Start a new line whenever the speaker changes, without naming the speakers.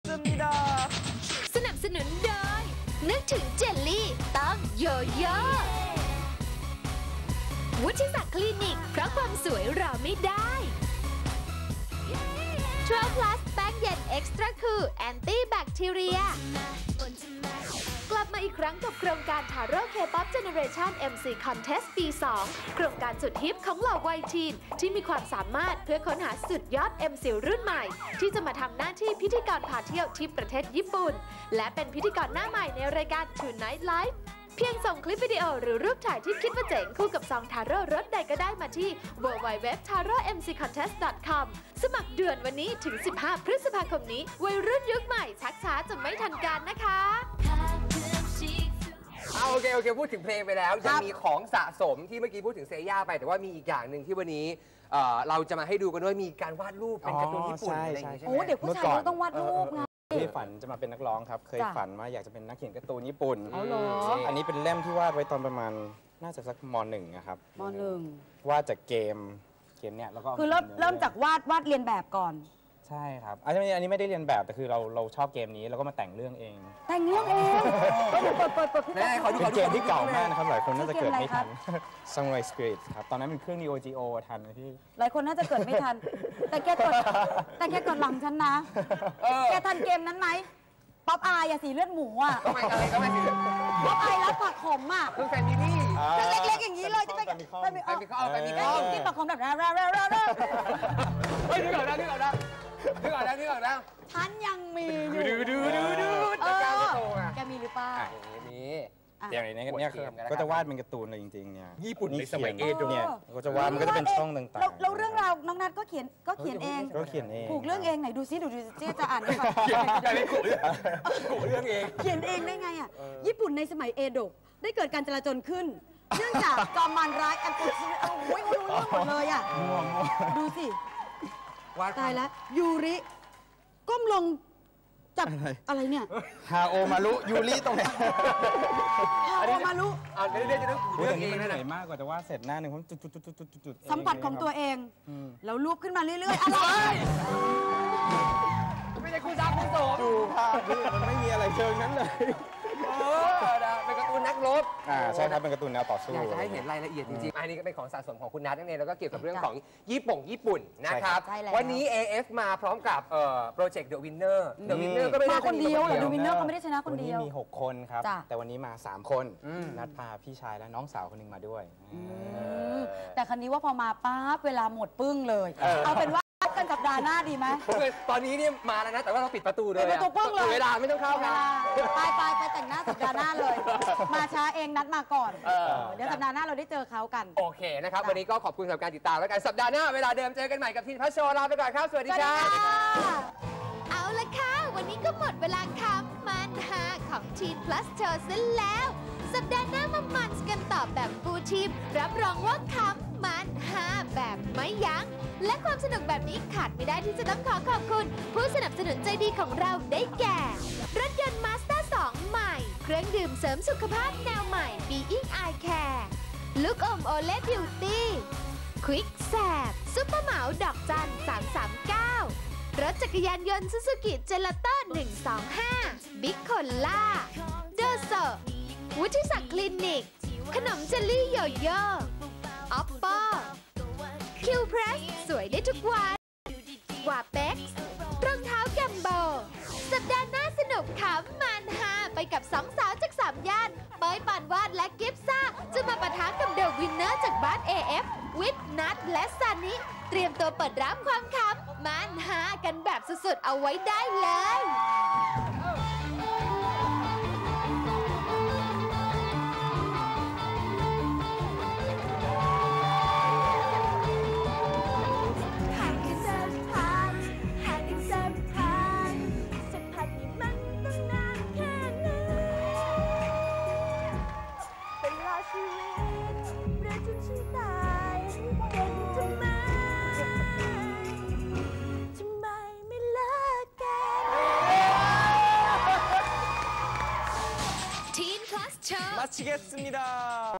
반갑습니다.
สนับสนุนโดยนึกถึงเจลลี่ต้องโยโย่วุฒิศักดิ์คลินิกเพราะความสวยรอไม่ได้12 plus แป้งเย็นเอ็กซ์ตร้าคูลแอนตี้แบคทีเรียกลับมาอีกครั้งกับโครงการทาโร่เคป๊อปเจเนเรชัน MC Contest ปี 2 โครงการสุดฮิปของเหล่าวัยทีนที่มีความสามารถเพื่อค้นหาสุดยอด MC รุ่นใหม่ที่จะมาทำหน้าที่พิธีกรพาเที่ยวที่ประเทศญี่ปุ่นและเป็นพิธีกรหน้าใหม่ในรายการ Tonight Live เพียงส่งคลิปวิดีโอหรือรูปถ่ายที่คิดว่าเจ๋งคู่กับซองทาโร่รสใดก็ได้มาที่ www.taromccontest.com สมัครเดือนวันนี้ถึง 15 พฤษภาคมนี้วัยรุ่นยุคใหม่ชักช้าจะไม่ทันการนะคะ
โอเคพูดถึงเพลงไปแล้วยังมีของสะสมที่เมื่อกี้พูดถึงเซย่าไปแต่ว่ามีอีกอย่างหนึ่งที่วันนี้เราจะมาให้ดูกันด้วยมีการวาดรูปเป็นการ์ตูนญี่ปุ่นอะไรอย่างเงี้ยใช่ไหม
โอ้เด็กผู้ชายต้องวาดรูปไง
ที่ฝันจะมาเป็นนักร้องครับเคยฝันว่าอยากจะเป็นนักเขียนการ์ตูนญี่ปุ่น
เอาเหรอ
อันนี้เป็นเล่มที่วาดไว้ตอนประมาณน่าจะสักม.1 นะครับ
ม.1
วาดจากเกมเนี่ยแล้วก็
คือเริ่มจากวาดเรียนแบบก่อน
ใช่ครับอันนี้ไม่ได้เรียนแบบแต่คือเราชอบเกมนี้แล้วก็มาแต่งเรื่องเอง
แต่งเรื่องเองเปิดพี่เป็น
เกมที่เก่ามากนะครับหลายคนน่าจะเกิดไม่ทัน Samurai Spirit ครับตอนนั้นเป็นเครื่อง Neo Geo ทันไหมพี่
หลายคนน่าจะเกิดไม่ทันแต่แกกดหลังฉันนะแกทันเกมนั้นไหมป๊อปอายสีเลือดหมูอ่ะ
ก็ไม่สิ
ป๊อปอายแล้วผักขมอ่ะ
คือแฟนมินี่
คือเล็กๆอย่างนี้เลยจะไปมีข้อกินผักขมแบบ
เฮ้ยนึกออกแล้ว
ฉันยังมีอยู่แกมีหรือเปล่า
มี
อย่างนี้เนี่ยก็จะวาดเป็นการ์ตูนเลยจริงๆเนี่ย
ญี่ปุ่นในสมัยเอโดะ
เนี่ยก็จะวาดมันก็จะเป็นช่องต่าง
ๆแล้วเรื่องราวน้องนัทก็เขียนเองผูกเรื่องเองไหนดูซิเจ๊จะอ่านให้ฟัง
กูเรื่องเอง
เขียนเองได้ไงอ่ะญี่ปุ่นในสมัยเอโดะได้เกิดการจลาจลขึ้นเนื่องจากจอมมารร้ายอันเป็นโอ้ยรู้เรื่องหมดเลยอ่ะดูสิตายแล้วยูริก้มลงจับอะไรเนี่ย
ฮาโอมารุยูริตรงไหน
ฮาโอมารุ
เรื่องจะต้องเรื่องเอง
เหนื่อยมากกว่าจะวาดเสร็จหน้าหนึ่งผมจุด
สัมผัสของตัวเองแล้วรูปขึ้นมาเรื่อยๆอะไร
ไม่ใช่คุณซักคุณโสม
ดูภาพนี่มันไม่มีอะไรเชิงนั้นเลย
เป็นการ์ตูนนักรบ
ใช่ครับเป็นการ์ตูนแนวต่อสู้
อยากจะให้เห็นรายละเอียดจริงๆอันนี้ก็เป็นของสะสมของคุณนัทนั่นเองแล้วก็เกี่ยวกับเรื่องของญี่ปุ่นนะครับวันนี้ AF มาพร้อมกับโปรเจกต์ The Winner
ก็ไม่ได้คนเดียวThe Winner ก็ไม่ได้ชนะคนเดียว
วันนี้มี6 คนครับแต่วันนี้มา3 คนนัดพาพี่ชายและน้องสาวคนนึงมาด้วย
แต่ครั้นี้ว่าพอมาปั๊บเวลาหมดปึ้งเลยเอาเป็นว่ากันสัปดาห์หน้าดีไหม
ตอนนี้เนี่ยมาแล้วนะแต่ว่าเราปิดประตูเลย
ปิดประตูปึ้งเลย
เวลาไม่ต้องเข้านะ
ไปแต่งหน้าสัปดาห์หน้าเลยมาช้าเองนัดมาก่อนเดี๋ยวสัปดาห์หน้าเราได้เจอเขากัน
โอเคนะครับวันนี้ก็ขอบคุณสำหรับการติดตามแล้วกันสัปดาห์หน้าเวลาเดิมเจอกันใหม่กับทีนพัชโชลาไปก่อนครับสวัสดีครับ
เอาละค่ะวันนี้ก็หมดเวลาคำมันหาของทีน plus โชว์ซะแล้วสัปดาห์หน้ามามันกันต่อแบบฟูลทีมรับรองว่าคำมันหาแบบไม่ยั้งและความสนุกแบบนี้ขาดไม่ได้ที่จะต้องขอบคุณผู้สนับสนุนใจดีของเราได้แก่รถยนต์ Mazda 2 ใหม่เครื่องดื่มเสริมสุขภาพแนวใหม่ Being Eye Care ลูกอมโอเล่บิวตี้ควิกแสบซุปเปอร์เหมาดอกจัน339รถจักรยานยนต์ซูซูกิเจลาโต้125บิ๊กโคล่าเดอโซวุฒิศักดิ์คลินิกขนมเจลลี่โยโย่ออปปอคิวเพรสสวยได้ทุกวันวาเป็กซ์รองเท้าแกมโบสัปดาห์หน้าสนุกขำมันฮาไปกับ2 สาวจาก3 ย่านเป้ยปานวาดและกิฟซ่าจะมาปะทะกับเดอะวินเนอร์จากบ้าน AF วิทนัทและซันนี่เตรียมตัวเปิดรับความขำมันฮากันแบบสุดๆเอาไว้ได้เลย
마치겠습니다.